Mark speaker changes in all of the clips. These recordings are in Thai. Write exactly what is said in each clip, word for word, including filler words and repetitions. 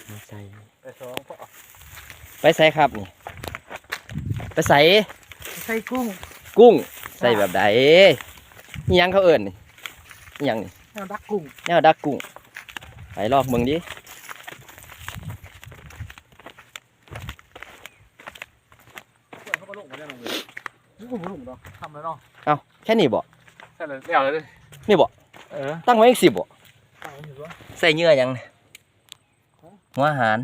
Speaker 1: ไม่ใส่
Speaker 2: ไปสองพ่อ
Speaker 1: ไปใส่ครับนี่ไปใส่
Speaker 2: ใส่กุ้ง
Speaker 1: กุ้งใส่แบบใดนี่ยังเขาเอิญนี่ยังนี่
Speaker 2: แนวดักกุ้ง
Speaker 1: แนวดักกุ้งไปลอกเมืองดิ
Speaker 2: เขามาลงมาได้ลงเลยนี่กุ้งมาลงเนาะทำแล้วเนาะ
Speaker 1: เอาแค่นี้บ่
Speaker 2: ใช่เลยเดี๋ยวเลย
Speaker 1: นี่บ่
Speaker 2: เออ
Speaker 1: ตั้งไว้อีกสิบบ่ใส่เนื้อยังหัวอาหาร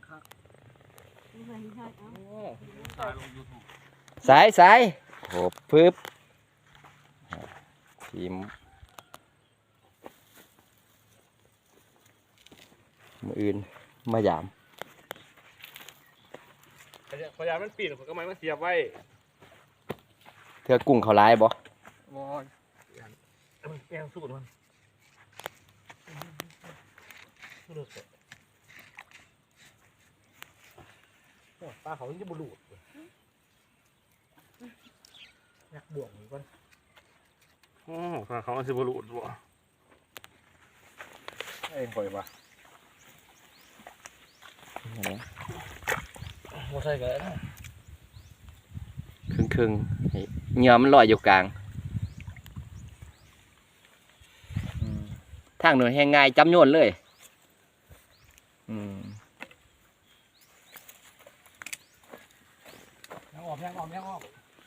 Speaker 1: สายสายโอ้ปึ๊บทีมมืออื่นมาหยาม
Speaker 2: พยายามมันปีนผมก็ไม่มาเสียบไว้
Speaker 1: เธอกุ้งเขาลายบ่
Speaker 2: มอมันแกงสูตรมันปลาเขาจะบุรุษอยากบวกเหมือนกันโอ้ปลาเขาจะบุรุษบ่เอ้ยปล่อยปะโม่ใช่กันแล้ว
Speaker 1: ครึ่งครึ่งเนื้อมันลอยอยู่กลางทางหน่วยแห้งง่ายจำโยนเลยอืม
Speaker 2: ยังออกยังออกยังออก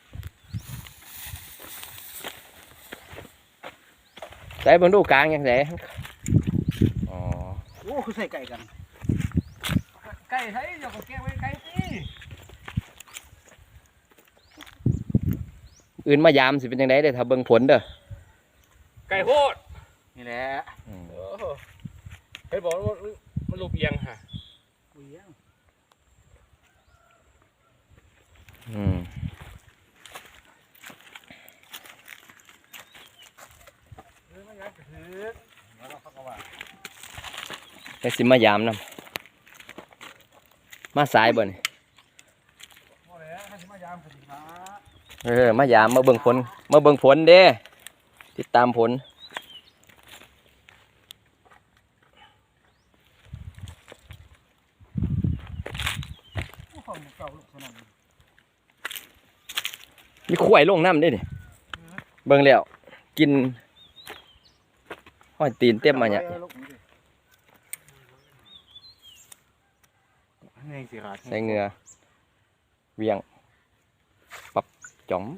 Speaker 1: ใส่บนดูกลางยังไงอ๋อ
Speaker 2: โอ้คือใส่ไก่กันไก่ใช้เดี๋ยวก็แกงไว้ไก่สิ
Speaker 1: อื่นมายามสิเป็นยังไงเด้อถ้าเบิ่งผลเด้อ
Speaker 2: ไก่โคตรนี่แหละเฮ้ยบอกว่ามันลูกเอียงฮะเอียง
Speaker 1: อืมไอ้สิมายามนำมาสายบ่นี่เออมายามมาเบิ่งผลมาเบิ่งผลเด้ติดตามผลมีข่วยลงน้ำด้วยนี่เบิ่งแล้วกินห้อยตีนเต็มมาเนี่ยใส่เงือเวียงปับจ๋อม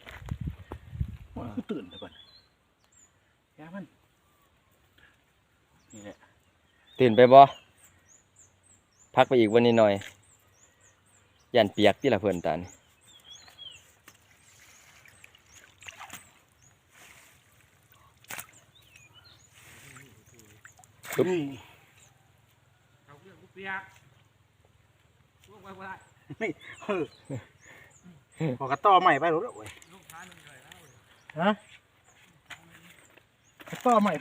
Speaker 2: คือตื่นเลยก่อนแย่มันนี่แหละ
Speaker 1: ตื่นไปบ่พักไปอีกวันนี้หน่อยยันเปียกที่ละเพื่อนตานี่
Speaker 2: ปึ๊บเอาเรื่องเปียกลงไปบ่ได้นี่เออพอกระต่อใหม่ไปรู้แล้วเว้ยฮะกระต่อใหม่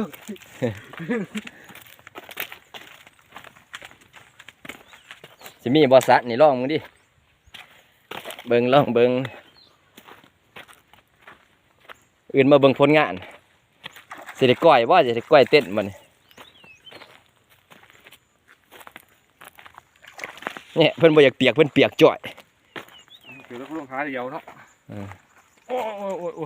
Speaker 1: สิมีบอสัตนี่ลองมึงดิเบิ่งลองเบิ่งอื่นมาเบิ่งผลงานสิได้ก้อยว่าจะได้ก้อยเต้นมันเนี่ยเพิ่นบ่อยากเปียกเพิ่นเปียกจ่อย
Speaker 2: เดี๋ยวเราลงขาเดียวเนาะโอ้โอ้โอ้โอ้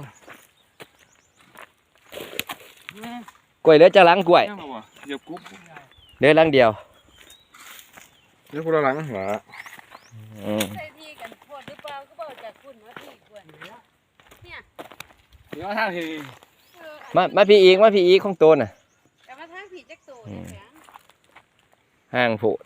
Speaker 1: กล้วยเหลือจะล้างกล้วย
Speaker 2: เดี๋ยวกุ๊บ
Speaker 1: เหลือล้างเดียว
Speaker 2: เดี๋ยวพวกเราล้างหัว
Speaker 3: ใส่ที่กันพอดหรือเปล่าก็บอกจากคุณว่าที่ควรเนี่ย
Speaker 2: เดี๋ยวทางที
Speaker 1: มามาพี่อีกมาพี่อีกของโตน่ะ
Speaker 3: แต่มาทางผีจักโตเนี่ย
Speaker 1: ห่างโผล่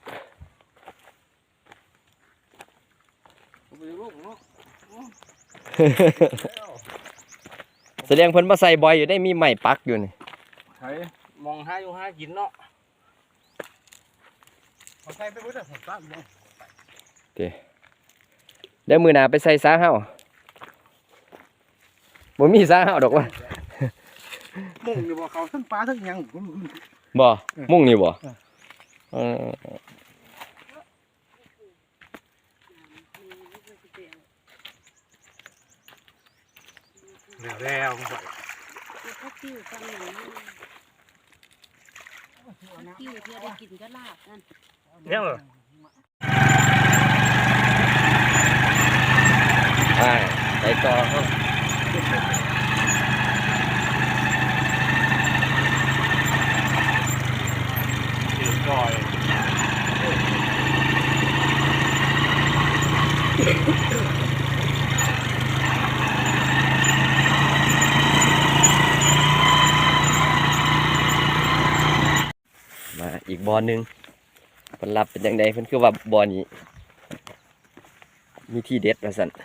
Speaker 1: แสดงเพิ่นมาใส่บอยอยู่ได้มีไม้ปักอยู่นี่
Speaker 2: ใช่มองห้าอยู่ห้ากินเนาะเอาใส่ไปเพื่อผมตั้งเลย
Speaker 1: โอเคเดี๋ยวมือหนาไปใส่ซาเฮาบ่มีซาเฮาดอกว่า
Speaker 2: มุ่งนี่บ่เขาทั้งปลาทั้งยัง
Speaker 1: บ่มุ่งนี่บ่เออ
Speaker 2: แล้วแล้วมึงไป
Speaker 3: ข้าวติ้วฟังอย่างนี้ข้าวติ้วเพื่อได้กินก็ลาบนั่น
Speaker 2: เนี่ยเหรอ
Speaker 1: ไปไปต่อครับ
Speaker 2: เดือดก่อย
Speaker 1: มาอีกบอลหนึ่งผลลัพธ์เป็นยังไงเพิ่นคือว่าบอลนี้มีที่เด็ดว่าสั่น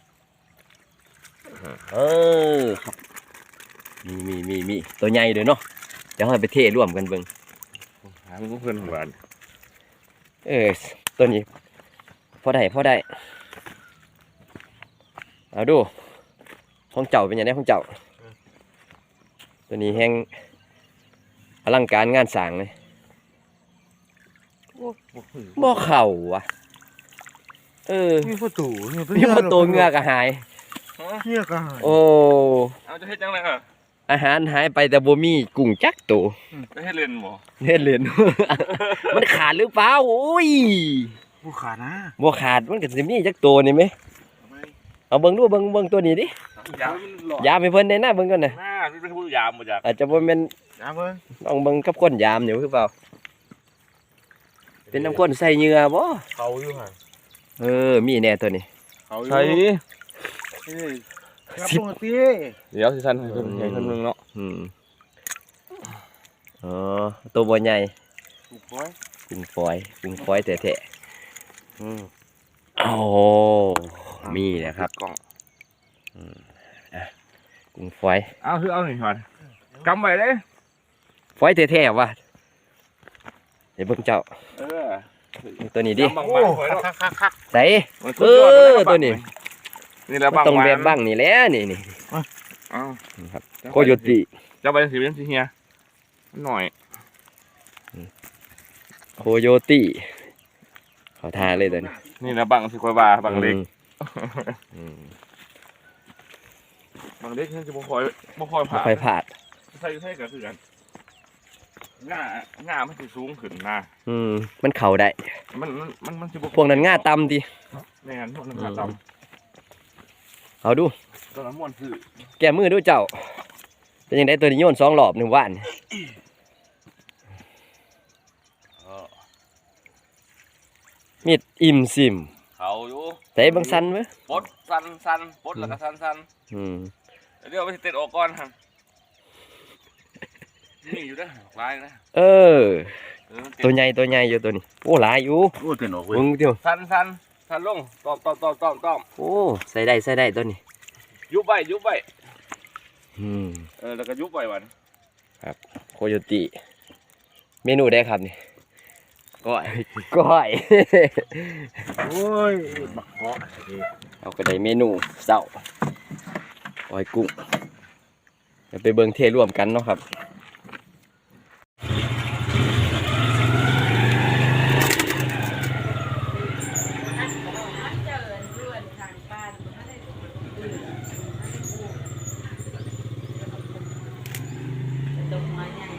Speaker 1: เออครับมีมีมีมีตัวใหญ่เลยเนาะเดี๋ยวเราไปเทร่วมกันเบิ่ง
Speaker 2: หาเพื่อนของบ้าน
Speaker 1: เออตัวนี้พอได้พอได้เอาดูของเจ้าเป็นยังไงของเจ้าตัวนี้แห้งอลังการงานสร้างเลยบ่เข่าวะเออ
Speaker 2: มีประตู
Speaker 1: นี่พอตัวเหงือกก็หาย
Speaker 2: เงี้ยก็หาย
Speaker 1: โอ้
Speaker 4: เอาจะเฮ็ดจังไดเหรอ
Speaker 1: อาหารหายไปแต่บ่มีกุ้งจักตัว
Speaker 4: จะเฮ็ดเล่นบ่
Speaker 1: เล่นเล่น มันขาดหรือเปล่าโอ้ย
Speaker 2: ผู้ขาดนะ
Speaker 1: บ่ขาดมันก็สิมีจักตัวนี่ไหมเอาเบิ่งดูเบิ่งเบิ่งตัวนี้ดิ
Speaker 4: ยามมันหลอด
Speaker 1: ยามให้เพิ่นได้นะเบิ่งก่อนน่ะ
Speaker 4: หน้าเป็นผู้ยามบ่จัก
Speaker 1: อาจจะบ่แม่น
Speaker 2: นะเพิ่ง
Speaker 1: ลองเบิ่งกับคนยามอยู่คือเปล่าเป็นน้ำข้นใส่เหงื่อบ่
Speaker 2: เขาอยู่ห่าง
Speaker 1: เออมีแน่ตัวนี้
Speaker 2: เขาอยู่
Speaker 4: ใช่
Speaker 2: ครับปกติ
Speaker 4: เดี๋ยวสิซั่นให้เพิ่นให้เพิ่นเบิ่งเนาะ
Speaker 1: อืมอ๋อตัวบ่ใหญ่
Speaker 2: ถูกไว้
Speaker 1: กุ้งฝอยกุ้งฝอยแท้ๆอืมโอ้มีนะครับ
Speaker 4: กล่อง
Speaker 1: กุ้งฝอย
Speaker 4: เอาคือเอานี่ก่อนกำไว้เด้
Speaker 1: ฝอยแท้ๆว่ะเดี๋ยวเบิ่งเจ้า
Speaker 4: เออ
Speaker 1: ตัวนี้ดิ
Speaker 4: กำบาง
Speaker 2: โอ้
Speaker 4: ๆไว้เนาะ
Speaker 2: คักคักคัก
Speaker 1: ใส่
Speaker 4: มัน
Speaker 1: เอ
Speaker 4: สุดยด
Speaker 1: อ
Speaker 4: ลย
Speaker 1: ตัวนี้
Speaker 4: นี่แหละ
Speaker 1: มัน
Speaker 4: บาง
Speaker 1: ต้อง
Speaker 4: ไว้
Speaker 1: แบบบ้างนี่แหละนี่นี่
Speaker 4: เอา
Speaker 1: ครับโคโยติ
Speaker 4: จะไปสิเป็นสิเฮียมันหน่อย
Speaker 1: โคโยติเขาทาเลยตัวนี้
Speaker 4: นี่แหละบางสิกว่าบาบางเล็ก
Speaker 1: อืม
Speaker 4: บางเล็กนี่สิบ่ค่อยบ่ค่อย
Speaker 1: บ่
Speaker 4: ผ่า
Speaker 1: ค่อยพลาด
Speaker 4: ใส่ใส่ก็คือกันง่าง่ามันสิสูงขึ้นนะ
Speaker 1: อืมมันเข่าได้
Speaker 4: มันมันมันมันสิบ่
Speaker 1: พวกนั้นง่าต่ำดิ
Speaker 4: แม่นพวกนั้นง่าต่ำ
Speaker 1: เอาดู
Speaker 4: ตอนนั้นม่วนคือ
Speaker 1: แก้มือดูเจ้าเป็นยังไงตัวนี้โยนสองรอบหนึ่งวันมีดอิ่มซิม
Speaker 4: เขาอยู่
Speaker 1: แต่เบางสันไหม
Speaker 4: ปดสันสันปดแล้วก็สันสัน
Speaker 1: อืม
Speaker 4: เดี๋ยวไปเตะออกก่อนฮะนี่อยู่นะลายนะ
Speaker 1: เออ
Speaker 4: เออ
Speaker 1: ตัวใหญ่ตัวใหญ่อยู่ตัวนี้โอ้หลายอยู่
Speaker 2: โอ้เต็นออกเว้ย
Speaker 1: มึงเดียว
Speaker 4: สันสันสันลงตอมตอมตอมตอมตอม
Speaker 1: โอ้ใส่ได้ใส่ได้ตัวนี้
Speaker 4: ยุบไปยุบไป
Speaker 1: อืม
Speaker 4: เออแล้วก็ยุบไปวัน
Speaker 1: โคโยติเมนูได้ครับนี่
Speaker 4: ก้อย
Speaker 1: ก้อย
Speaker 2: โอ้ยบักเกาะ
Speaker 1: เอาก็ได้เมนูเสาก้อยกุ้งเดี๋ยวไปเบิ่งเทร่วมกันเนาะครับ
Speaker 3: เจอเพื่อนทางบ้านไม่ได้ตื่นตกมาใหญ่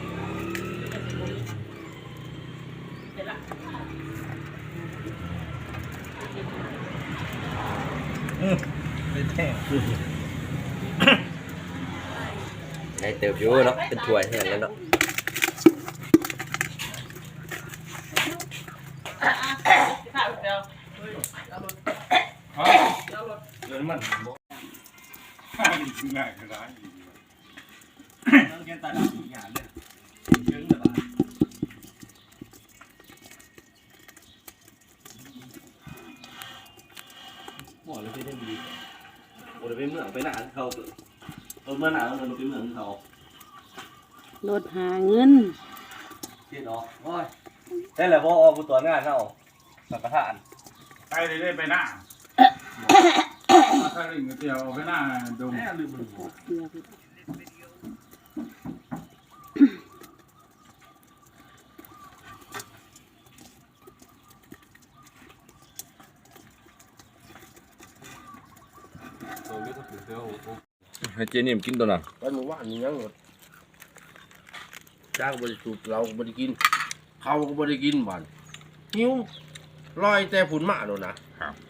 Speaker 3: เดี๋ยวละ
Speaker 2: ไม่แท้
Speaker 1: ได้เติบอยู่เนาะเป็นถ้วยแห้งแล้วเนาะ
Speaker 3: ข้าวเดียว
Speaker 4: เดินมัน
Speaker 2: ง่ายก็ได้
Speaker 4: ต้องเกณฑ์ตาดำอีกอย่างเลยเชิงแบบ
Speaker 5: หมอเลยไปได้ดีโอ้ยไปเมืองไปหนาเขาเออเมื่อหนาเราไปเมืองเขา
Speaker 3: รถหาเงิน
Speaker 5: เจ็ดออกโอ้ยได้แหละพ่อออกตัวงานเขาสังกทาน
Speaker 2: ไปเลยได้ไปหน้าถ้าลิงเดียวไปหน้าดง
Speaker 5: แม่ลืมมัน
Speaker 4: ให้เจนี่มกินตัวน่ะ
Speaker 5: วันหนูว่านี่ยังหมดจ้างบริสุทธิ์เราก็บริกินเขาก็บริกินบ้าน
Speaker 6: หิวลอยแต่ผุนมาโดนนะครับ